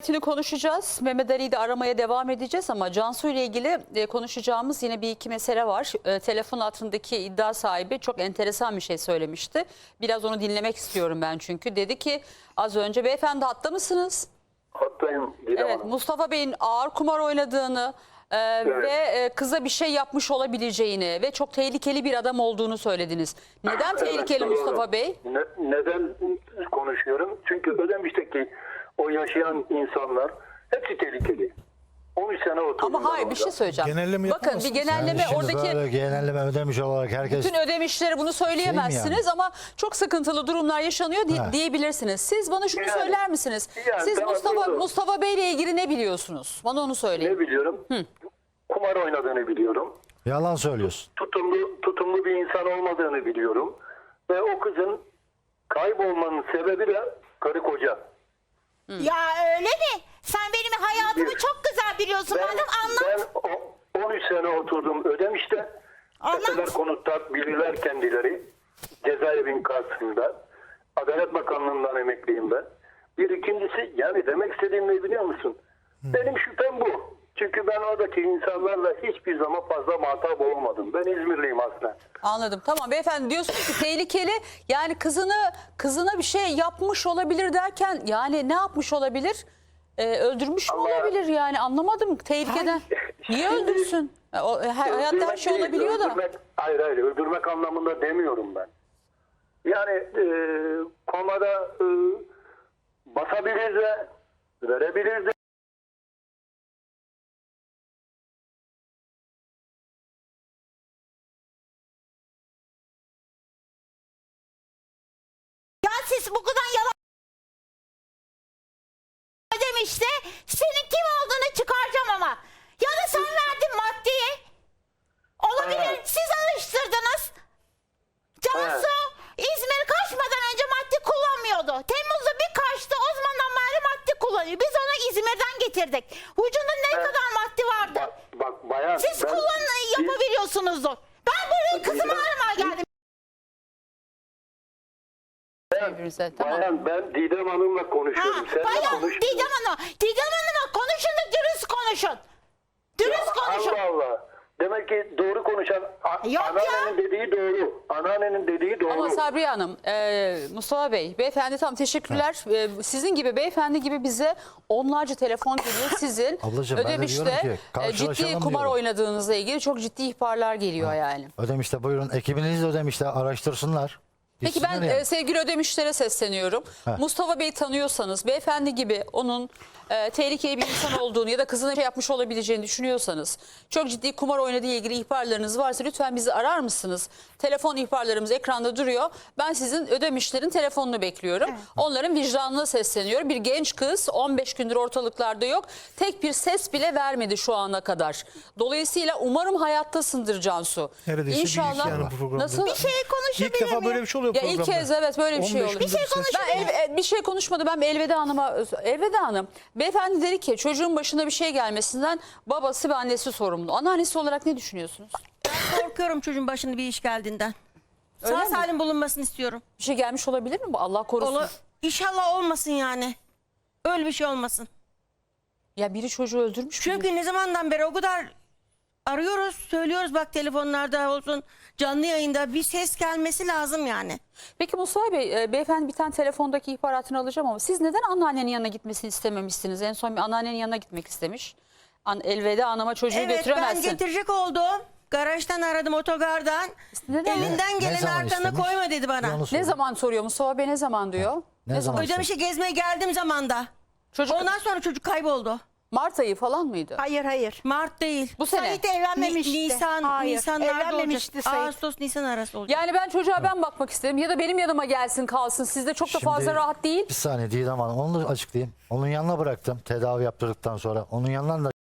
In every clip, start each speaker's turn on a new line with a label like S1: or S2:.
S1: ayrıntıyla konuşacağız. Mehmet Ali'yi de aramaya devam edeceğiz ama Cansu ile ilgili konuşacağımız yine bir iki mesele var. Telefon altındaki iddia sahibi çok enteresan bir şey söylemişti. Biraz onu dinlemek istiyorum ben çünkü. Dedi ki az önce, beyefendi hatta mısınız?
S2: Hattayım.
S1: Evet, Mustafa Bey'in ağır kumar oynadığını ve kıza bir şey yapmış olabileceğini ve çok tehlikeli bir adam olduğunu söylediniz. Neden tehlikeli
S2: doğru.
S1: Mustafa Bey?
S2: Neden konuşuyorum? Çünkü Ödemiş'teki o yaşayan insanlar hepsi tehlikeli. 13 sene oturdum.
S1: Ama hayır, bir şey söyleyeceğim.
S3: Genelleme
S1: Bakın bir
S3: yapamazsınız.
S1: genelleme
S4: Şimdi
S1: oradaki...
S4: böyle genelleme ödemiş olarak herkes
S1: Bütün ödemişlere bunu söyleyemezsiniz
S4: yani?
S1: ama çok sıkıntılı durumlar yaşanıyor diyebilirsiniz. Siz bana şunu
S2: Yani-
S1: söyler misiniz?
S2: yani
S1: Siz
S2: ben
S1: Mustafa Bey ile ilgili ne biliyorsunuz? Bana onu söyleyin.
S2: Ne biliyorum? Kumar oynadığını biliyorum.
S4: yalan söylüyorsun.
S2: Tutumlu bir insan olmadığını biliyorum. Ve o kızın kaybolmanın sebebi de karı koca.
S5: Ya öyle mi? Sen benim hayatımı çok güzel biliyorsun. Madem anlat.
S2: Ben 13 sene oturdum Ödemiş'te.
S5: Anlat.
S2: Eseler konutlar bilirler kendileri. Cezaevin karşısında. Adalet Bakanlığı'ndan emekliyim ben. Bir ikincisi, yani demek istediğim ne biliyor musun? Benim şüphem bu. Çünkü ben oradaki insanlarla hiçbir zaman fazla muhatap olmadım. Ben İzmirliyim aslında.
S1: Anladım. Tamam beyefendi, diyorsunuz ki tehlikeli, yani kızına bir şey yapmış olabilir derken yani ne yapmış olabilir? Öldürmüş mü
S2: Allah-
S1: olabilir yani, anlamadım tehlikeden. Niye
S2: Şimdi-
S1: öldürsün? Hayatta her şey
S2: değil,
S1: olabiliyor da.
S2: Hayır öldürmek anlamında demiyorum ben. Yani komada basabilir de verebilir de.
S5: Ya siz bu kadar yalan demişti. Senin kim olduğunu çıkaracağım ama. Ya da sen verdin maddeyi. Olabilir.
S2: Evet.
S5: Siz alıştırdınız. Cansu İzmir kaçmadan önce madde kullanmıyordu. Temmuz'da bir kaçtı. O zamandan beri madde kullanıyor. Biz onu İzmir'den getirdik. Vücudunda ne
S2: Evet.
S5: kadar madde vardı.
S2: Bak bayan.
S5: Siz yapabiliyorsunuzdur. Ben buraya kızımı aramaya geldim.
S1: Birbirinize, tamam.
S2: Bayan, ben Didem Hanım'la konuşuyorum. Sen
S5: Bayan Didem Hanım. Didem Hanım'a konuşun da dürüst konuşun. Dürüst konuşun.
S2: Allah Allah. Demek ki doğru konuşan
S5: Yok
S2: anneannenin dediği doğru. Anneannenin dediği doğru.
S1: Ama Sabriye Hanım, Mustafa Bey, beyefendi tam teşekkürler. Sizin gibi beyefendi gibi bize onlarca telefon geliyor. Sizin
S4: Ablacığım, ben de
S1: Ödemiş'te
S4: diyorum ki,
S1: ciddi
S4: karşılaşalım
S1: kumar
S4: diyorum.
S1: oynadığınızla ilgili çok ciddi ihbarlar geliyor yani.
S4: Ödemiş'te buyurun, ekibiniz de Ödemiş'te araştırsınlar.
S1: Peki ben
S4: Gitsinler yani.
S1: sevgili Ödemişlere sesleniyorum. Mustafa Bey'i tanıyorsanız, beyefendi gibi onun tehlikeli bir insan olduğunu ya da kızına şey yapmış olabileceğini düşünüyorsanız, çok ciddi kumar oynadığı ilgili ihbarlarınız varsa lütfen bizi arar mısınız? Telefon ihbarlarımız ekranda duruyor. Ben sizin Ödemişlerin telefonunu bekliyorum. Onların vicdanına sesleniyorum. Bir genç kız 15 gündür ortalıklarda yok. Tek bir ses bile vermedi şu ana kadar. Dolayısıyla umarım hayattasındır Cansu.
S3: Neredeyse bir
S1: İnşallah.
S3: iki yani bu programda.
S1: Nasıl?
S5: Bir şey konuşabilir
S3: İlk defa
S5: miyim?
S3: böyle bir şey oluyor
S1: Ya
S3: programda.
S1: ilk kez evet böyle bir şey
S3: 15
S1: olur.
S3: gündür ses-
S1: Ben bir şey konuşmadı. Ben Elveda Hanım'a, Elveda Hanım, beyefendi dedi ki çocuğun başına bir şey gelmesinden babası ve annesi sorumlu. Anneannesi olarak ne düşünüyorsunuz?
S6: Korkuyorum çocuğun başına bir iş geldiğinden.
S1: Öyle
S6: Sağ
S1: mi?
S6: salim bulunmasını istiyorum.
S1: Bir şey gelmiş olabilir mi? Allah korusun.
S6: İnşallah olmasın yani. Öyle bir şey olmasın.
S1: Ya biri çocuğu öldürmüş mü?
S6: Çünkü ne zamandan beri o kadar arıyoruz, söylüyoruz, bak telefonlarda olsun, canlı yayında bir ses gelmesi lazım yani.
S1: Peki Mustafa Bey, beyefendi bir tane telefondaki ihbaratını alacağım ama siz neden anneannenin yanına gitmesini istememişsiniz? En son bir anneannenin yanına gitmek istemiş. Elveda Hanım'a çocuğu
S6: Evet, ben
S1: götüremezsin.
S6: getirecek oldum. Garajdan aradım, otogardan.
S1: Neden?
S6: Elinden
S4: Ne
S6: gelen
S4: zaman
S6: arkana
S4: istemiş?
S6: koyma dedi bana.
S4: Onu
S1: Ne
S4: söyle.
S1: zaman soruyor Mustafa Bey, ne zaman diyor?
S4: Ne zaman?
S6: Ödemişe gezmeye geldiğim zamanda.
S1: Çocuk
S6: Ondan sonra çocuk kayboldu.
S1: Mart ayı falan mıydı?
S5: Hayır.
S6: Mart değil.
S1: Bu sene.
S5: Sait evlenmemişti.
S6: Nisanlarda
S5: evlenmemişti
S6: olacak.
S5: Sait.
S6: Ağustos, Nisan arası olacak.
S1: Yani ben çocuğa ben bakmak istedim ya da benim yanıma gelsin kalsın. Sizde çok da
S4: Şimdi
S1: fazla rahat değil.
S4: Bir saniye Didem Hanım, onu da açıklayayım. Onun yanına bıraktım tedavi yaptırdıktan sonra. Onun yanından da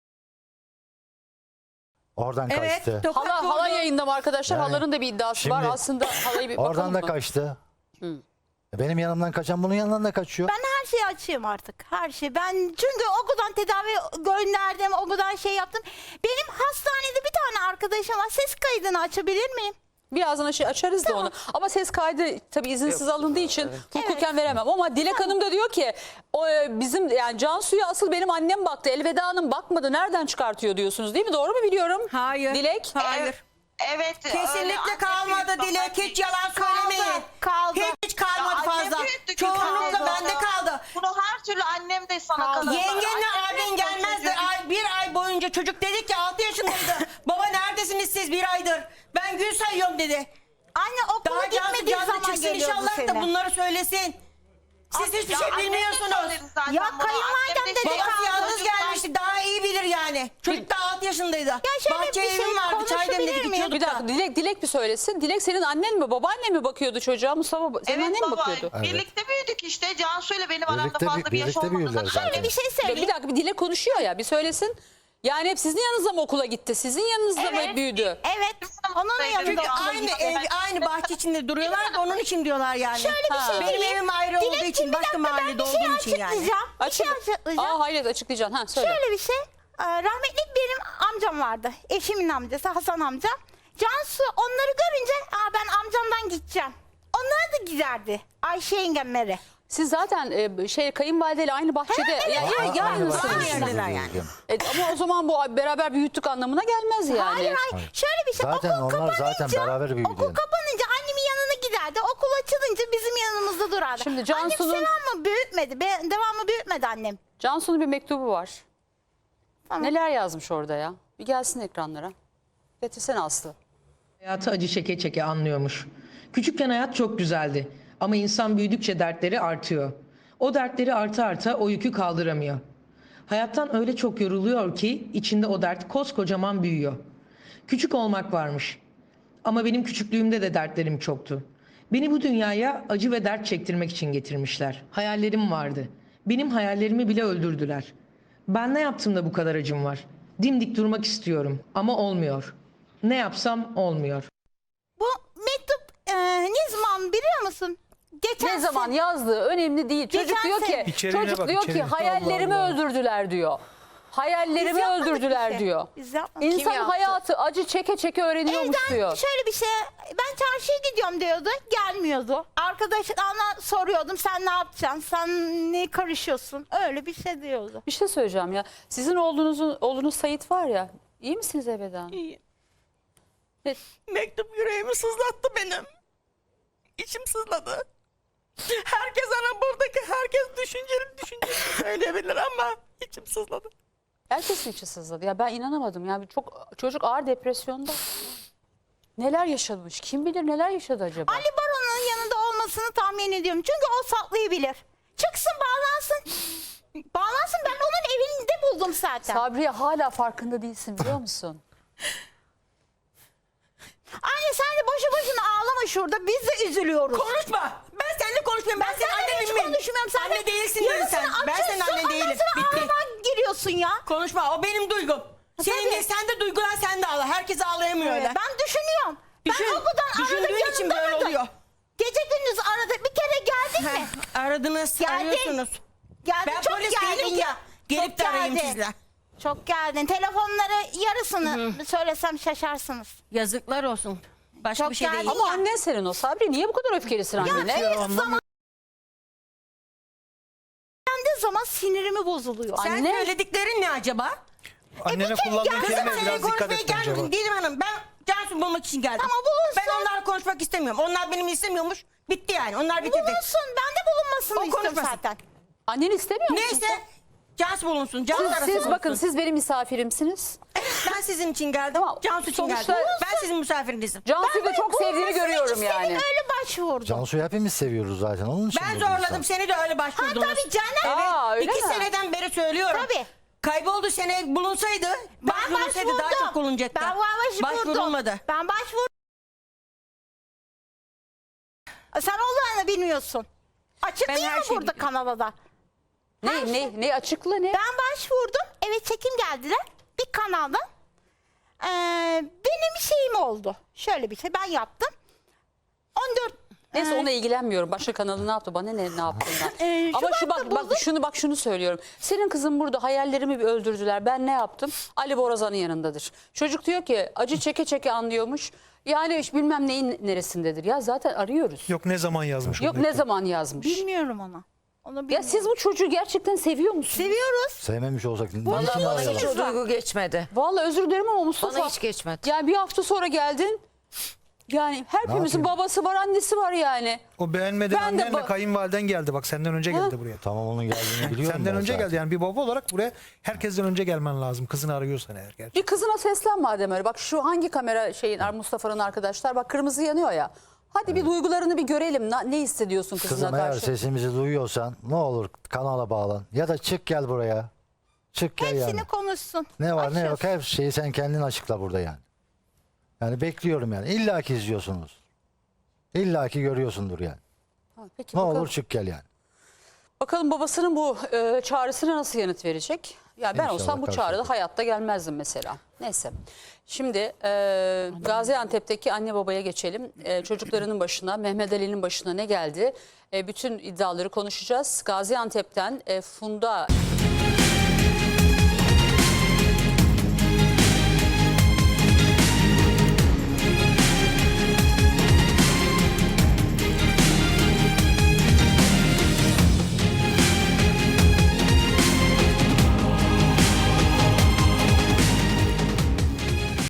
S4: oradan
S6: Evet,
S4: kaçtı.
S6: tokat
S1: Hala
S6: vurdu.
S1: yayında mı arkadaşlar?
S4: Yani
S1: Halanın da bir iddiası var.
S4: şimdi
S1: Aslında halayı bir
S4: Oradan
S1: bakalım
S4: da
S1: mı?
S4: kaçtı. Benim yanımdan kaçan bunun yanından da kaçıyor.
S5: Ben her şeyi açayım artık. Her şey. Ben çünkü okuldan tedavi gönderdim. Okuldan şey yaptım. Benim hastanede bir tane arkadaşım var. Ses kaydını açabilir miyim?
S1: Birazdan açarız da onu. Ama ses kaydı tabii izinsiz alındığı için hukuken veremem. Ama Dilek Hanım da diyor ki bizim yani Cansu'ya asıl benim annem baktı. Elveda Hanım bakmadı. Nereden çıkartıyor diyorsunuz değil mi? Doğru mu biliyorum?
S6: Hayır.
S1: Dilek?
S6: Hayır.
S3: Evet.
S6: Kesinlikle
S3: anne
S6: kalmadı
S3: büyüdü,
S6: Dilek.
S3: baba
S6: Hiç yalan söylemeyin.
S5: Kaldı.
S6: Hiç kalmadı
S3: Ya annem
S6: fazla.
S3: büyüttü ki
S6: Çoğunlukla
S3: kaldı.
S6: bende kaldı.
S3: Bunu her türlü annem de sana
S5: Kaldı.
S3: kalır.
S6: Yengenle
S3: Annem
S6: abin
S3: büyüttü
S6: gelmezdi.
S3: çocuğu.
S6: Bir ay boyunca çocuk dedi ki 6 yaşındaydı. Baba neredesiniz siz bir aydır? Ben gün sayıyorum dedi.
S5: Anne okula
S6: Daha Cansu
S5: gitmediği
S6: canlı
S5: zaman
S6: çıksın
S5: geliyordu
S6: inşallah da
S5: seni.
S6: bunları söylesin. Siz hiçbir
S3: Ya
S6: şey
S3: annem de
S6: bilmiyorsunuz.
S3: söyledi zaten
S5: Ya
S3: bunu.
S5: kayınvalidem
S3: Annem
S5: de
S3: şey
S6: Babası
S3: yaptı,
S6: yalnız
S3: çocuklar-
S6: gelmişti. Daha iyi bilir yani. Çocuk da 6 yaşındaydı.
S5: şöyle
S6: Bahçe
S5: bir şey
S6: evim vardı. Çay
S5: konuşabilir
S6: demledik
S5: miyim?
S6: içiyorduk
S1: Bir dakika
S6: da.
S1: Dilek bir söylesin. Dilek senin annen mi babaannen mi bakıyordu çocuğa? Mustafa senin
S3: Evet
S1: annen mi
S3: baba
S1: bakıyordu?
S3: birlikte büyüdük işte. Cansu ile benim aramda
S4: Birlikte
S3: fazla bir yaş
S4: birlikte büyüdüler
S3: olmadığından.
S4: zaten.
S5: Şöyle bir şey
S1: Bir
S5: söyleyeyim.
S1: dakika bir Dilek konuşuyor ya bir söylesin. Yani hep sizin yanınızda mı okula gitti? Sizin yanınızda mı hep büyüdü?
S5: Evet. Onun yanında
S6: Çünkü
S5: okula
S6: aynı
S5: gitti.
S6: ev, aynı bahçe içinde duruyorlar da onun için diyorlar yani.
S5: Şöyle bir şey
S6: Benim
S5: diyeyim.
S6: evim ayrı olduğu
S5: Dilekciğim,
S6: için,
S5: bir
S6: başka
S5: dakika,
S6: mahallede
S5: ben bir şey
S6: olduğum için yani.
S5: açıklayacağım. Bir şey açıklayacağım.
S1: Hayır açıklayacaksın. Ha söyle.
S5: Şöyle bir şey. Rahmetli benim amcam vardı. Eşimin amcası Hasan amcam. Cansu onları görünce ben amcamdan gideceğim. Onlar da giderdi. Ayşe yengemleri.
S1: Siz zaten kayınvalideyle aynı bahçede yanlısınız.
S6: Aynı yerdeler yani.
S1: Ama o zaman bu beraber büyüttük anlamına gelmez yani.
S5: Hayır. Şöyle bir şey.
S4: Zaten
S5: okul
S4: onlar zaten
S5: kapanınca-
S4: beraber büyüdü
S5: Okul
S4: yani.
S5: kapanınca annemin yanına giderdi. Okul açılınca bizim yanımızda durardı.
S1: Şimdi Cansu'nun-
S5: Annem devamlı büyütmedi. Devamlı büyütmedi annem.
S1: Cansu'nun bir mektubu var.
S5: Tamam.
S1: Neler yazmış orada ya? Bir gelsin ekranlara. Getirsene Aslı.
S7: Hayatı acı çeke çeke anlıyormuş. Küçükken hayat çok güzeldi ama insan büyüdükçe dertleri artıyor. O dertleri arta arta o yükü kaldıramıyor. Hayattan öyle çok yoruluyor ki içinde o dert koskocaman büyüyor. Küçük olmak varmış. Ama benim küçüklüğümde de dertlerim çoktu. Beni bu dünyaya acı ve dert çektirmek için getirmişler. Hayallerim vardı. Benim hayallerimi bile öldürdüler. Ben ne yaptım da bu kadar acım var? Dimdik durmak istiyorum ama olmuyor. Ne yapsam olmuyor.
S5: Bu mektup ne zaman biliyor musun? Geçen
S1: Ne zaman yazdığı önemli değil. Çocuk
S5: Geçen
S1: diyor ki,
S5: sene.
S8: İçeriğine
S1: çocuk
S8: bak,
S1: diyor ki
S8: içeriğine.
S1: hayallerimi
S8: Allah Allah.
S1: öldürdüler diyor. Hayallerimi
S5: Biz yapmadık
S1: öldürdüler
S5: bir şey.
S1: diyor.
S5: Biz yapmadık.
S1: İnsan
S5: Kim yaptı?
S1: hayatı acı çeke çeke öğreniyormuş
S5: Evden
S1: diyor.
S5: şöyle bir şey, ben çarşıya gidiyorum diyordu, gelmiyordu. Arkadaşlarına soruyordum, sen ne yapacaksın, sen ne karışıyorsun, öyle bir şey diyordu.
S1: Bir şey söyleyeceğim ya. Sizin oğlunuz Sait var ya. İyi misiniz Ebeda Hanım?
S6: İyi.
S1: Evet.
S6: Mektup yüreğimi sızlattı benim. İçim sızladı. Herkes buradaki herkes düşünceli söyleyebilir ama içim sızladı.
S1: Herkesin içi sızladı. Ya ben inanamadım. Ya çocuk ağır depresyonda. Neler yaşamış? Kim bilir neler yaşadı acaba?
S5: Ali Baron'un yanında olmasını tahmin ediyorum, çünkü o saklayabilir. Çıksın, bağlansın. Bağlansın, ben onun evinde buldum zaten.
S1: Sabriye hala farkında değilsin biliyor musun?
S5: Anne sen de boşu boşuna ağlama şurada, biz de üzülüyoruz.
S6: Konuşma. Ben seninle konuşmuyorum. Ben senin
S5: seninle hiç
S6: annenim miyim?
S5: konuşmuyorum. Sen
S6: Anne
S5: de
S6: değilsin dedin
S5: yarısını
S6: sen. Ben senin
S5: açıyorsun,
S6: annen değilim.
S5: ondan sonra
S6: Bitti.
S5: ağlamaya giriyorsun ya.
S6: Konuşma. O benim duygum. Senin
S5: tabii.
S6: de sen de duygulan sen de ağla. Herkes ağlayamıyor öyle.
S5: Ben düşünüyorum.
S6: Düşün-
S5: Ben okuldan aradım,
S6: düşündüğün için böyle
S5: yanımda
S6: oluyor.
S5: aradım. Gece gündüz aradık, bir kere geldin mi?
S6: Aradınız,
S5: Geldin.
S6: arıyorsunuz.
S5: Geldin,
S6: Ben
S5: çok
S6: polis
S5: geldin
S6: değilim ki.
S5: ya.
S6: Gelip
S5: Çok
S6: de arayayım
S5: geldin.
S6: sizle.
S5: Çok geldin. Telefonları yarısını söylesem şaşarsınız.
S6: Yazıklar olsun. Başka
S5: Çok
S6: bir şey değil.
S5: geldin.
S1: Ama annen senin o Sabri. Niye bu kadar öfkelisin annene?
S5: Kendi zaman sinirimi bozuluyor.
S6: Sen
S1: Anne-
S6: söylediklerin ne acaba?
S8: Annene kullandığın
S6: Kızım
S8: kelime
S6: seni
S8: biraz dikkat
S6: konuşmaya
S8: et bence bak.
S6: gelmedim Didem Hanım. Ben Cansu bulmak için geldim.
S5: Ama bulunsun.
S6: Ben onlarla konuşmak istemiyorum. Onlar benim istemiyormuş. Bitti yani. Onlar bitirdi.
S5: Bulunsun. Ben de bulunmasını
S6: O
S5: istiyorum
S6: konuşmasın.
S5: zaten.
S1: Annen istemiyor musun?
S6: Neyse. Cansu bulunsun. Cansu arası
S1: Siz
S6: bulunsun.
S1: bakın siz benim misafirimsiniz.
S6: Ben sizin için geldim.
S1: Tamam,
S6: Cansu için
S1: sonuçta-
S6: geldim. Ben sizin misafirinizim.
S1: Cansu'yu da çok sevdiğini
S5: Bulunmasını
S1: görüyorum
S5: istedim,
S1: yani.
S5: öyle başvurdum.
S4: Cansu'yu hepimiz seviyoruz zaten. Onun için
S6: Ben
S4: buldum
S6: zorladım.
S4: sen.
S6: Seni de öyle
S5: Ha
S6: başvurdunuz.
S5: tabii canım.
S1: Aa, öyle
S6: 2
S1: mi?
S6: seneden beri söylüyorum.
S5: Tabii.
S6: Kayboldu sene bulunsaydı,
S5: Ben
S6: başvurulsaydı
S5: başvurdum.
S6: daha çok bulunacaktı.
S5: Ben başvurdum.
S6: Başvurulmadı.
S5: Ben başvurdum. Sen olanı bilmiyorsun. Açık
S6: Ben
S5: değil
S6: her
S5: mi
S6: şeyi
S5: burada
S6: biliyorum.
S5: kanalda?
S1: Ne açıkla ne?
S5: Ben başvurdum. Evet, çekim geldiler. Bir kanaldan. Benim şeyim oldu. Şöyle bir şey ben yaptım. 14
S1: Neyse ona ilgilenmiyorum. Başka kanalı ne yaptı? Bana ne yaptığından. Ama şu
S5: Şubat'ta
S1: bak şunu söylüyorum. Senin kızın burada hayallerimi bir öldürdüler. Ben ne yaptım? Ali Borazan'ın yanındadır. Çocuk diyor ki acı çeke çeke anlıyormuş. Yani bilmem neyin neresindedir. Ya zaten arıyoruz.
S8: Yok ne zaman yazmış?
S1: Yok ne zaman yazmış.
S5: Bilmiyorum onu. Onu
S1: Ya
S5: bilmiyorum.
S1: siz bu çocuğu gerçekten seviyor musunuz?
S5: Seviyoruz.
S4: Sevmemiş olsak niçin
S9: Vallahi bana
S4: arayalım?
S9: hiç o duygu geçmedi.
S1: Vallahi özür dilerim ama Mustafa.
S9: Bana hiç geçmedi.
S1: Yani bir hafta sonra geldin. Yani hepimizin
S4: yapayım?
S1: babası var, annesi var yani.
S8: O beğenmeden
S1: Ben de
S8: annenle
S1: ba-
S8: kayınvaliden geldi. Bak senden önce geldi buraya.
S4: Tamam onun geldiğini biliyorum.
S8: Senden
S4: ben
S8: önce
S4: zaten.
S8: geldi. Yani bir baba olarak buraya herkesten önce gelmen lazım. Kızını arıyorsan eğer gerçekten.
S1: Bir kızına seslen madem öyle. Bak şu hangi kamera Mustafa'nın arkadaşlar. Bak kırmızı yanıyor ya. Hadi bir duygularını bir görelim. Ne hissediyorsun kızına
S4: Kızım eğer
S1: karşı?
S4: sesimizi duyuyorsan ne olur kanala bağlan. Ya da çık gel buraya. Çık gel
S5: Hepsini
S4: yani.
S5: konuşsun.
S4: Ne var ne yok
S5: Açıyoruz.
S4: her şeyi sen kendin açıkla burada yani. Yani bekliyorum yani. İlla ki izliyorsunuz. İlla ki görüyorsundur yani.
S1: Ha, peki
S4: Ne
S1: bakalım.
S4: olur çık gel yani.
S1: Bakalım babasının bu çağrısına nasıl yanıt verecek? Ya ben
S4: İnşallah
S1: olsam bu
S4: karşılıklı.
S1: çağrıda hayatta gelmezdim mesela. Neyse. Şimdi Gaziantep'teki anne babaya geçelim. Çocuklarının başına, Mehmet Ali'nin başına ne geldi? Bütün iddiaları konuşacağız. Gaziantep'ten Funda